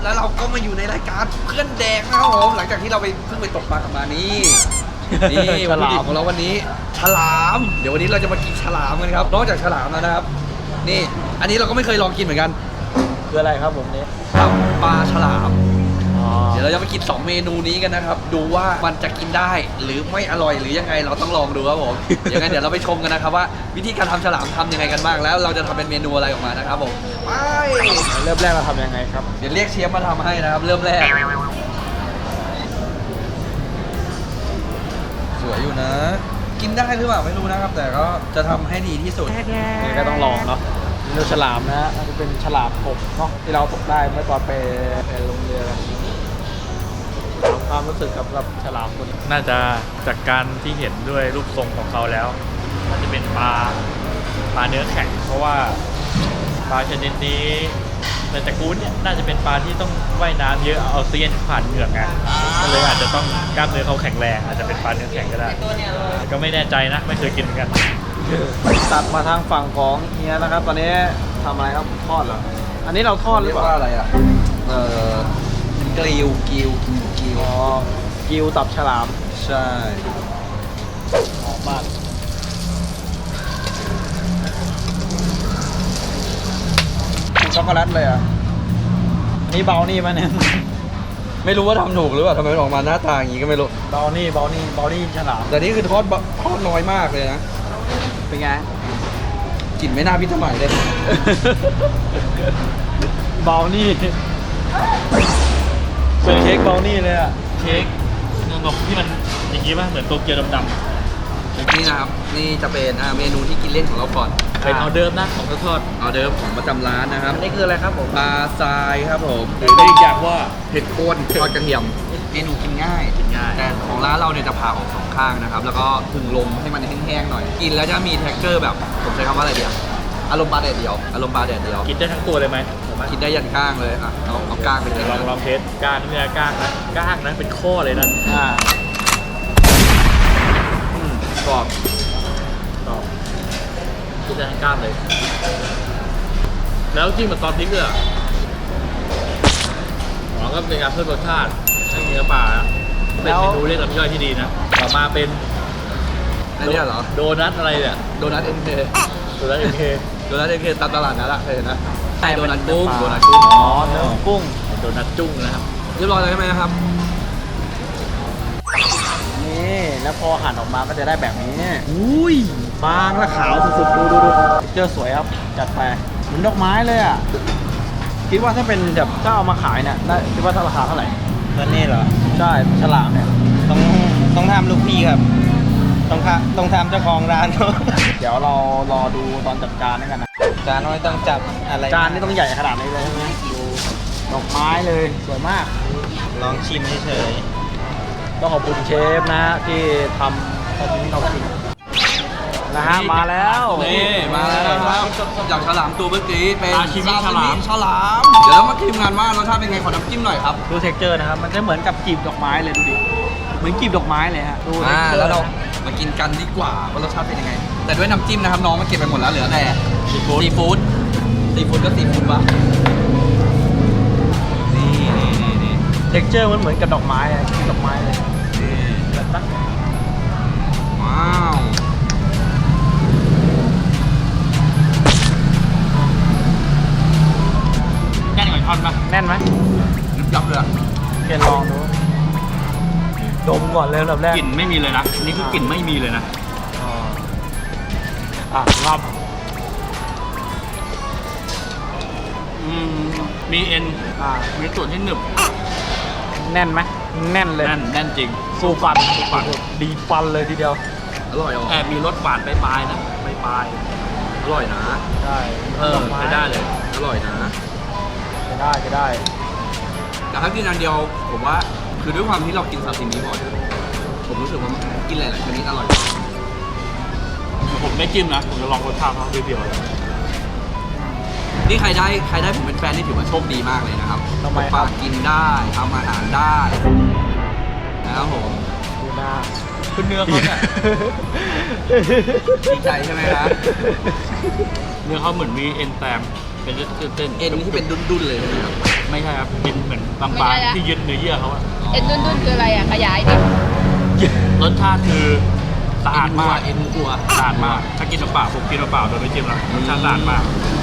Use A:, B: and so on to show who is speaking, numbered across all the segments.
A: แล้วเราก็มาอยู่ในรายการเพื่อนแดงนะครับผมหลังจากที่เราเพิ่งไปตกปลากันมานี่วัตถุดิบของเราวันนี้ฉลามเดี๋ยววันนี้เราจะมากินฉลามกันครับนอกจากฉลามแล้วนะครับนี่อันนี้เราก็ไม่เคยลองกินเหมือนกัน
B: คืออะไรครับผมเนี่ย
A: ตับปลาฉลามเดี๋ยวเราจะมากิน2เมนูนี้กันนะครับดูว่ามันจะกินได้หรือไม่อร่อยหรือยังไงเราต้องลองดูครับผมอย่างนั้นเดี๋ยวเราไปชมกันนะครับว่าวิธีการทำฉลามทำยังไงกันบ้างแล้วเราจะทำเป็นเมนูอะไรออกมานะครับผมไป
B: เริ่มแรกเราทำยังไงครับ
A: เดี๋ยวเรียกเชฟมาทำให้นะครับเริ่มแรกสวยอยู่นะกินได้หรือเปล่าไม่รู้นะครับแต่ก็จะทำให้ดีที่สุด
B: นี่ก็ต้องลองเนาะเนื้อฉลามนะน่าจะเป็นฉลามผมเนาะที่เราตกได้เมื่อตอนไปลงเรือความรู้สึกกับฉลามตัวนี้
C: น่าจะจากการที่เห็นด้วยรูปทรงของเขาแล้วน่าจะเป็นปลาเนื้อแข็งเพราะว่าปลาชนิดนี้ในตระกูลเนี่ยน่าจะเป็นปลาที่ต้องว่ายน้ำเยอะเอาออกซิเจนผ่านเหงือกไงก็เลยอาจจะต้องกล้ามเนื้อเขาแข็งแรงอาจจะเป็นปลาเนื้อแข็งก็ได้ก็ไม่แน่ใจนะไม่เคยกินเหมือนกัน
B: ตัดมาทางฝั่งของเฮียนะครับตอนนี้ทำอะไรครับทอดเหรออันนี้เราทอดหรือเปล่า
A: อะไรอ่ะกริล
B: อ๋อกิวตับฉลาม
A: ใช่
B: หอมมากช็อกโกแลตเลยอ่ะนี่เบานี่มาเนี่ย
A: ไม่รู้ว่าทำถูกหรือเปล่าทำไมออกมาหน้าตาอย่างนี้ก็ไม่รู้
B: เบานี่ฉลาม
A: แต่นี่คือทอดน้อยมากเลยนะ
B: เป็นไง
A: กลิ่นไม่น่าพิสมัยเลย
B: เบานี่เป็นเค้กเบานี่เลยอะ
C: เค้กเนื้อนมที่มันอย่างนี้ป่ะเหมือนโตเกียวดำ
A: นี่นะครับนี่จะเป็นเมนูที่กินเล่นของเราก่อน
C: เป็นออเดิร์ฟนะของทอด
A: ออเดิร์ฟของประจำร้านนะครับ
B: นี่คืออะไรครับผม
A: ปลาทรายครับผม
C: หรือเรียกอย่างว่า
A: เห็ดโคนทอดกระเทียมเมนูกินง่ายแต่ของร้านเราเนี่ยจะผ่าออก2ข้างนะครับแล้วก็ผึ่งลมให้มันแห้งๆหน่อยกินแล้วจะมีเท็กเจอร์แบบผมใช้คำว่าอะไรเดียวอารมณ์ปลาแดดเดียว
C: กินได้ทั้งตัวเลยไหม
A: กินได้ยันก้างเลยอ่ะเอาก้างไปเลย
C: ลองเทสก้างนี่นะก้างนะเป็นข้อเลยนะ
A: กรอบ
C: กินได้ทั้งก้างเลยแล้วจิ้มกับซอสพริกเลยก็เป็นการเพิ่มรสชาติให้เนื้อปลาเป็นเมนูเรียกลำย่อยที่ดีนะต่อมาเป็น
A: อันนี้เหรอ
C: โดนัทอะไรเนี่ย
A: โดนัทMK ตามตลาดนั่นแหละเคยนะ
B: ใช่
A: โดนัทกุ้ง
B: อ๋อเนื้อกุ้ง
C: โดนัทจุ้งนะครับ
A: เรียบร้อยแล้วใช่ไหมครับ
B: นี่แล้วพอหั่นออกมาก็จะได้แบบนี้อุ้ยบางและขาวสุดๆดูเจอสวยครับจัดไปเหมือนดอกไม้เลยอ่ะคิดว่าถ้าเป็นแบบถ้าเอามาขายเนี่ยได้คิดว่าราคาเท่าไหร่
A: ตัวนี้เหรอ
B: ใช่ฉลามเนี่ย
A: ต้องทำลูกพี่ครับต้องทำเจ้าของร้าน
B: เดี๋ยวเรารอดูตอนจัดการด้วยกันนะ
A: จานไม่ต้องจับอะไร
B: จานนี่ต้องใหญ่ขนาดนี้เลยใช่ไหมดูดอกไม้เลยสวยมาก
A: ลองชิมเฉย
B: ต้องขอบคุณเชฟนะที่ทำตอนนี้เรากินนะฮะมาแล้ว
A: นี่มาแล้วนะครับจากฉลามตัวเมื่อกี้เป็น
C: ซาชิมิฉ
A: ลามเดี๋ยวเรามาชิมกันว่ารสชาติเป็นไงขอน้ำจิ้มหน่อยครับ
B: ดูเท็กเจอร์นะครับมันจะเหมือนกับกลีบดอกไม้เลยดูดิเหมือนกลีบดอกไม้เลยฮะดู
A: แล้วเรามากินกันดีกว่าว่ารสชาติเป็นยังไงแต่ด้วยน้ำจิ้มนะครับน้องมาเก็บไปหมดแล้วเหลือแต่ซีฟู้ดก็ซีฟู้ดปะนี่
B: เท็กเจอร์มันเหมือนกับดอกไม้อะกลีบดอกไม้เลย
A: ว้าว
C: แน่นกว่าท่อนปะ
B: แน่นไหม
A: ยับเลยอะ
B: เคนลองดูดมก่อนเลยแบบแรก
C: กลิ่นไม่มีเลยนะนี่คือกลิ่นไม่มีเลยนะ
B: รับ
C: มีเอ็นมีส่วนที่หนึบ
B: แน่นไหมแน่นเลย
C: แน่นจริง
B: สู้ฟันดีฟันเลยทีเดียว
A: อร่อย
C: แอบมีรสหวานปลายนะปลาย
A: อร่อยนะ
B: ใช่
C: ใช้ได้เลย
A: อร่อยนะ
B: ใช้ได้
A: แต่ถ้ากินอันเดียวผมว่าคือด้วยความที่เรากินซาซิมิบ่อยผมรู้สึกว่ากินหลายๆชนิดอร่อย
C: ผมไม่จิ้มนะผมจะลองรสชาติเขาเดียว
A: นี่ใครได้ผมเป็นแฟนนี่ถือว่าโชคดีมากเลยนะครับปลากินได้ทำอาหารได้นะครับผม
B: ดูหน้า
C: คือเนื้อเขาเนี่ย
A: ดีใจใช่ไหมครับ
C: เนื้อเขาเหมือนมีเอ็นแตมเป็นเส้น
A: เอ็นที่เป็นดุนๆเลยนะครับ
C: ไม่ใช่ครับเป็นเหมือนบาง
D: ไม่ใช่
C: ๆ
D: นะ
C: ที่ยึดเนื้อเยื่อเขาอะ
D: เอ็นดุนๆคืออะไรอ่ะ ขยายดิ
C: รสชาติคือสะอาดมาก
A: เอ็นวัว
C: สะอาดมากถ้ากินเปล่าผมกินเปล่าโดยไม่จิ้มแล้วรสชาติสะอาดมาก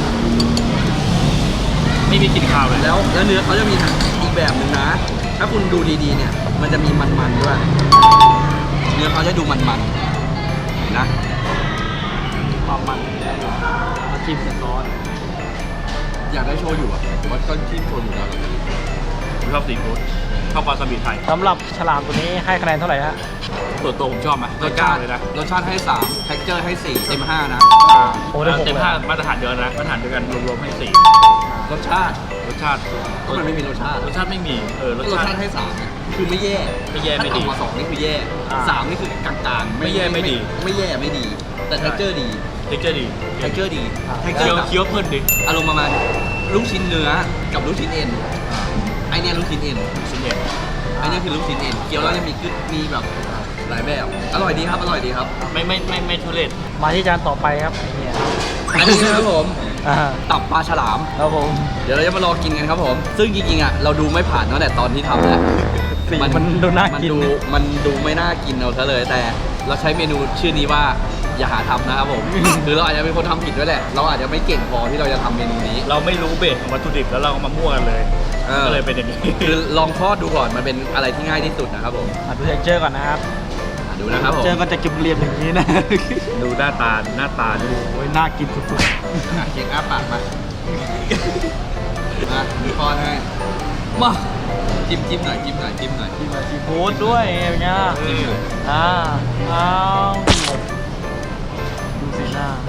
C: ไม่มีกลิ่นคาวเลย
A: แล้วเนื้อเขาจะมีอีกแบบหนึ่งนะ ถ้าคุณดูดีๆเนี่ย มันจะมีมันๆด้วย เนื้อเขาจะดูมันๆเห็นนะ
B: ความมันมาจิ้มกับซอส
A: อยากได้โชยุอ่ะผมว่าก็จิ้มโชยุแล้ว
C: ผมชอบซีฟู้ดชอบวาซาบิไทย
B: สำหรับฉลามตัวนี้ให้คะแนนเท่าไหร่ฮะ
C: ส่วนตัวผมชอบไหม
A: รส
C: เก้า
A: ชาติ
C: เลยนะ
A: รสชาติให้3เท็กเจอร์ให้4เต็ม5นะ
B: โอ้ได้หก
C: เต็ม
B: เลย
C: ห้ามาตรฐานเดียวนะมาตรฐานเดียวกันรวมๆให้สี่
A: รสชาติ
C: รสชาติ
A: ก็มันไม่มีรสชาติ
C: รสชาติไม่มีร
A: ร
C: ส
A: ส
C: ชา
A: ชา
C: ติ
A: ติให้3นะคือไม่แย่
C: ไม่แย่ไม่ดี
A: ถ้าต่ำกว่า2นี่คือแย่3นี่คือกลางๆ
C: ไม่แย่ไม่ดี
A: ไม่แย่ไม่ดี แต่เท็กเจอร์ดี
C: เท็กเจอร์ดี
A: เท็กเจอร์ดีเท็กเจอ
C: เคี้ยว
A: ร์แบบ
C: เคี้ยวเพลินดิ
A: อารมณ์ประมาณลูกชิ้นเนื้อกับลูกชิ้นเอ็นไอเนี้ยลูกชิ้นเอ็น
C: ชิ้นเดียว
A: ไอเนี้ยคือลูกชิ้นเอ็นเคี้ยวแล้วยังมีกึดมีแบบหลายแบบอร่อยดีครับอร่อยดีครับ
C: ไม่ทุเรศ
B: มาที่จานต่อไปครับเนี่ย
A: อันนี้นะครับผม
B: อ่า
A: ตับปลาฉลาม
B: ครับผม
A: เดี๋ยวเราจะมารอกินกันครับผม ซึ่งจริงๆอ่ะเราดูไม่ผ่านตั้งแต่ตอนที่ทำแล้ว
B: สีมันดูน่ากิน
A: มันดูไม่น่ากินเอาซะเลย แต่เราใช้เมนูชื่อนี้ว่าอย่าหาทำนะครับผม คือเราอาจจะเป็นคนทำผิดด้วยแหละ เราอาจจะไม่เก่งพอที่เราจะทำเมนูนี้
C: เราไม่รู้เบสของวัตถุดิบแล้วเราเอามามั่วกันเลย ก็เลยเป็นอย่างนี้
A: คือลองทอดดูก่อนมันเป็นอะไรที่ง่ายที่สุดนะครับผม
B: ดูเท็กเจอร์ก่อนนะครับ
A: ดูนะครับผม
B: เจอก็จะเก็บเรียบอย่างนี้นะ
C: ดูหน้าตาดู
B: โอ้ยน่ากินสุด
A: เก่งอ้าปากมามีป้อนให้มาจิ้มหน่อยจิ้มหน่อยจิ้มหน่อย
B: ๆกินแบบซีฟู้ดด้วยเป็นไงล่ะ
A: จิ้มหน่อย
B: อ้าวดูสีหน้า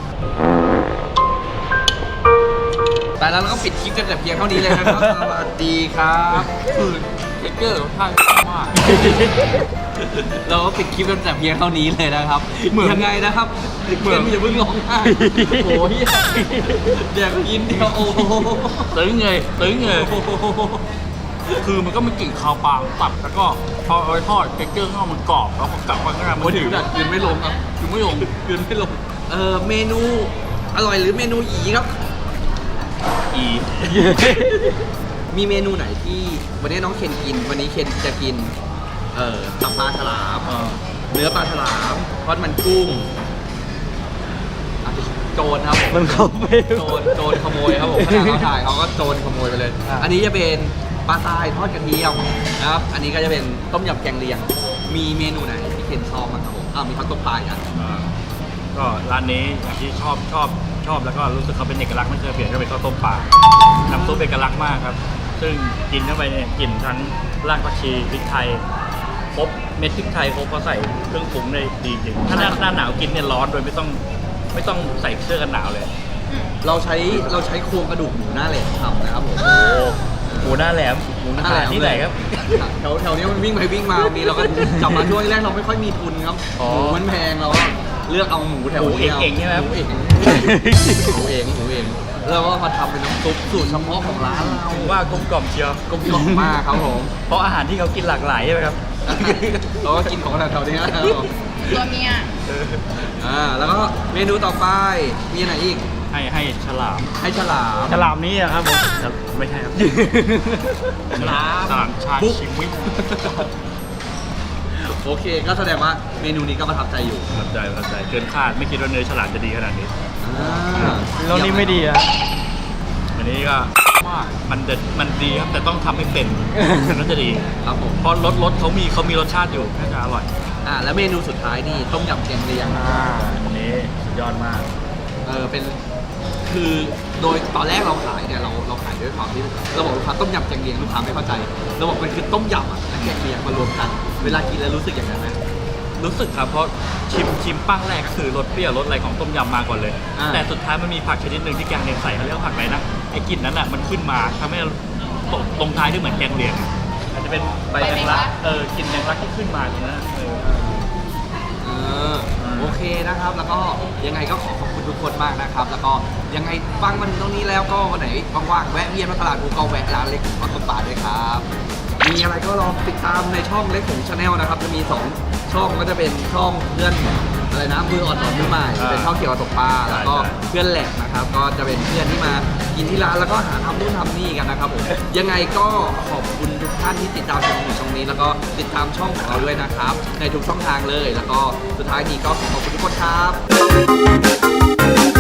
A: แต่แล้วเราก็ปิดคลิปกันแต่เพียงเท่านี้เลยนะครับ สวัสดีครับคือเทคเกอร์ท่านมาก เราก็ปิดคลิปกันแต่เพียงเท่านี้เลยนะครับยังไงนะครับเพื่อนอย่าเพิ่งร้องไห้โอ้ยเดี๋ยวกินเดียวโอ้โห
C: ตึงเลยคือมันก็ไม่กลิ่นคาวปลาตับแล้วก็พอเอาไปทอดเท็กเจอร์ข้าวมันกรอบแล้วพอกลับมาข้างในมัน
A: โอ้ย
C: ถึ
A: ถึ
C: ง
A: งดัดกินไม่ลงครับกินไม่ลงกินไม่ลงเมนูอร่อยหรือเมนูอีครับ
C: อี
A: มีเมนูไหนที่วันนี้น้องเคนกิน วันนี้เคนจะกินตับปลาฉลามเนื้อปลาฉลามทอดมันกุ้งอ่ะโจรครับผม
B: มันเข้าไป
A: โจรขโมยครับผมขณะเขาถ่ายเขาก็โจรขโมยไปเลย
B: อ่ะ
A: อันนี้จะเป็นปลาทรายทอดกระเทียมนะครับ อันนี้ก็จะเป็นต้มยำแกงเลียง มีเมนูไหนที่เคนชอบมั้างครับผมมีข้าวต้มปลาอ่ะ
C: ก็ร้านนี้อย่างที่ชอบแล้วก็รู้สึกเขาเป็นเอกลักษณ์ไม่เคยเปลี่ยนก็เป็นข้าวต้มปลาน้ำซุปเอกลักษณ์มากครับ ซึ่งกินเข้าไปเนี่ยกลิ่นทั้งรากผักชีพริกไทยครบเม็ดพริกไทยครบเขาใส่เครื่องปรุงได้ดีจริงถ้าหน้าหนาวกินเนี่ยร้อนโดยไม่ต้องใส่เสื้อกันหนาวเลย
A: เราใช้โครงกระดูกหมูหน้าแหลมทำนะครับผม
C: โอ้หมูหน้าแหลม
A: หมูหน้าแหลม
C: ที่ไหนครับ
A: แถวนี้มันวิ่งไปวิ่งมาบางทีเราก็จับมาช่วงแรกเราไม่ค่อยมีทุนครับ
C: อ๋อ
A: หมูมันแพงเราก็เลือกเอาหมูแถวนี้
C: หมูเองใช่ไหม
A: หมูเองแล้วก็มาทำเป็นน้ำซุปสูตรเฉพาะของร้านเรา
C: ว่ากลมกล่อมเชียว
A: กลมกล่อมมากครับผม
C: เพราะอาหารที่เขากินหลากหลายใช่ไหมครับ
A: เราก็กินของแถวๆนี้นะครับผม
D: ตัวเมีย
A: แล้วก็เมนูต่อไปมีอะไรอีก
C: ให้ฉลาม
A: ให้ฉลาม
B: ฉลามนี้อะครับผม
C: ไม่ใช่ครับ
A: ฉลาม
C: ฉลามชา
A: บุ๊ก
C: ชิมิ
A: โอเค ก็แสดงว่าเมนูนี้ก็ประทับใจอยู่
C: ประทับใจเกินคาดไม่คิดว่าเนื้อฉลามจะดีขนาดนี้
B: แล้วนี่ไม่ดีอะ
C: อันนี้ก็มันดีครับแต่ต้องทำให้เป็นถึงจะดี
A: ครับผม
C: เพราะรสเขามีรสชาติอยู่น่าจะอร่อย
A: แล้วเมนูสุดท้ายนี่ต้มยำแกงเลียง
C: อันนี้สุดยอดมาก
A: เป็นคือโดยตอนแรกเราขายเนี่ยเราขายด้วยความที่เราบอกลูกค้าต้มยำแกงเลียงลูกค้าไม่เข้าใจเราบอกมันคือต้มยำและแกงเลียงมารวมกัน เวลากินแล้วรู้สึกอย่างนั้นไหม
C: รู้สึกครับเพราะชิมปั้งแรกก็คือรสเปรี้ยวรสอะไรของต้มยำมาก่อนเลย แต่สุดท้ายมันมีผักชนิดหนึ่งที่แกงเลียงใส่เขาเรียกว่าผักอะไรนะไอ้กลิ่นนั้นอ่ะมันขึ้นมาทำให้ตรงท้ายที่เหมือนแกงเลียงอาจจะเป็นใบแมงลักกลิ่นแมงลักที่ขึ้นมาตรงนั้น
A: โอเคนะครับ แล้วก็ยังไงก็ขอบคุณทุกคนมากนะครับ แล้วก็ยังไงฟังมันตรงนี้แล้วก็วันไหนว่างๆแวะเวียนมาตลาดภูเก็ตแวะร้านเล็กของต้นป่าด้วยครับ มีอะไรก็ลองติดตามในช่องเล็กของชาแนลนะครับ จะมี2ช่องก็จะเป็นช่องเพื่อนอะไรนะมืออ่อนสอนมือใหม่เป็นช่องเกี่ยวกับตกปลาแล้วก็เพื่อนแหลกนะครับก็จะเป็นเพื่อนที่มากินที่ร้านแล้วก็หาทำนู่นทำนี่กันนะครับผมยังไงก็ขอบคุณทุกท่านที่ติดตามชมช่องนี้แล้วก็ติดตามช่องของเราด้วยนะครับในทุกช่องทางเลยแล้วก็สุดท้ายนี้ก็ขอบคุณทุกคนครับ